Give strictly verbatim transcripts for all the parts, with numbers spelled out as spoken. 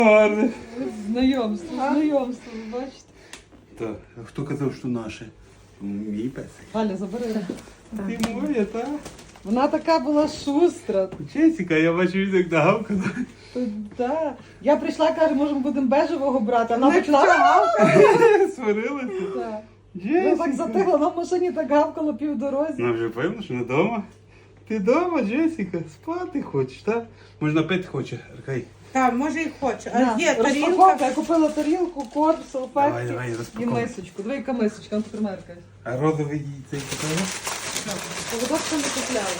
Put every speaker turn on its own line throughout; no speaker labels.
Гарне.
Знайомство, знайомство, ви бачите.
Так, а хто казав, що наше? Мій песик.
Галя, забери.
Ти моя, так?
Вона така була шустра.
Чесіка, я бачу, він як нагавкала.
То, да. Я прийшла, каже, може, ми будемо бежевого брати, а вона почала гавкати.
Сварилася.
Так. Вона так
Джесіка.
затихла, вона в машині так гавкала півдорозі.
Вона вже певно, що не вдома. Ти вдома, Джесіка? Спати хочеш, так? Можна пити хоче, Аркай.
Так, може і хочу. А
На,
є
розпаковка, я
тарілка.
купила тарілку, корм,
Давай,
салфетки
давай,
і
розпаковуй.
мисочку. Диви, яка мисочка, ну тепер мерка.
А розовий їй цей купила?
Поводочку не купляла.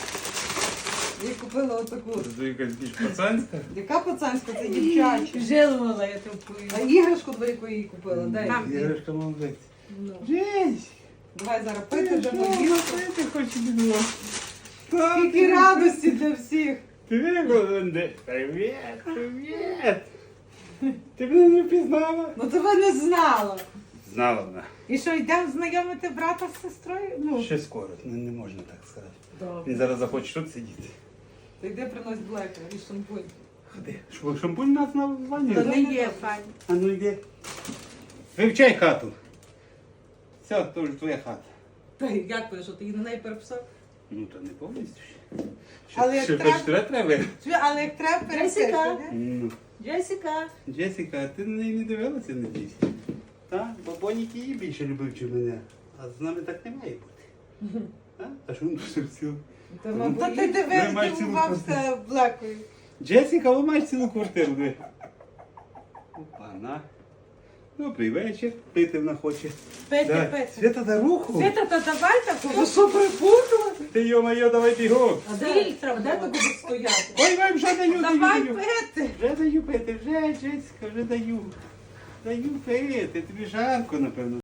Я купила отаку.
Це якась більш пацанська.
Яка пацанська, це дівчача.
Жилувала я ту
А іграшку дві яку їй купила, дай.
Там.
Іграшка молодець.
Ну.
Джесь!
Давай зараз пити
Ти
вже
що,
поїла.
пити хочеш бідно?
Скільки радості для всіх.
Ти голодний. Привіт, привіт. Ти мене не впізнала?
Ну тебе не знала.
Знала вона.
І що, йдемо знайомити брата з сестрою? Ну,
Ще скоро, не, не можна так сказати.
Добре.
Він зараз захоче тут сидіти.
Та йди принось блека і шампунь.
Ходи. Що, шампунь у нас на ванні?
то не є пані.
А ну йди. Вивчай хату. Все, то вже твоя хата.
Та як ти, що ти її на неї переписав?
Ну то не повністю ще. Ще,
Але як
ще
треба-
хоч треба треба.
Чуй, але як треба пересити.
Ну.
Джесіка.
Джесіка, а ти на неї не дивилася, надіюсь? Так, бо Бонік її більше любив, чи мене. А з нами так не має бути. А, а що він дуже всі?
Та
Ну,
мабуть,
Та ти
Ви
дивись,
маєш цілу
дивувався блекою.
Джесіка, ви маєш цілу квартиру, де? Опа, на. Добрий вечір. Пити вона хоче.
Пити,
Давай.
пити.
Свята, дай руку.
Свята, то давай
ви
таку.
що припутали?
Ти, йо-моє, давай бігом.
А
Стіль
де, а де ти
треба.
будеш стояти?
Ой, вам вже даю, даю,
Давай
даю.
пити.
Вже даю пити, вже, Джесіка, вже даю. Даю пити, тобі жарко, напевно.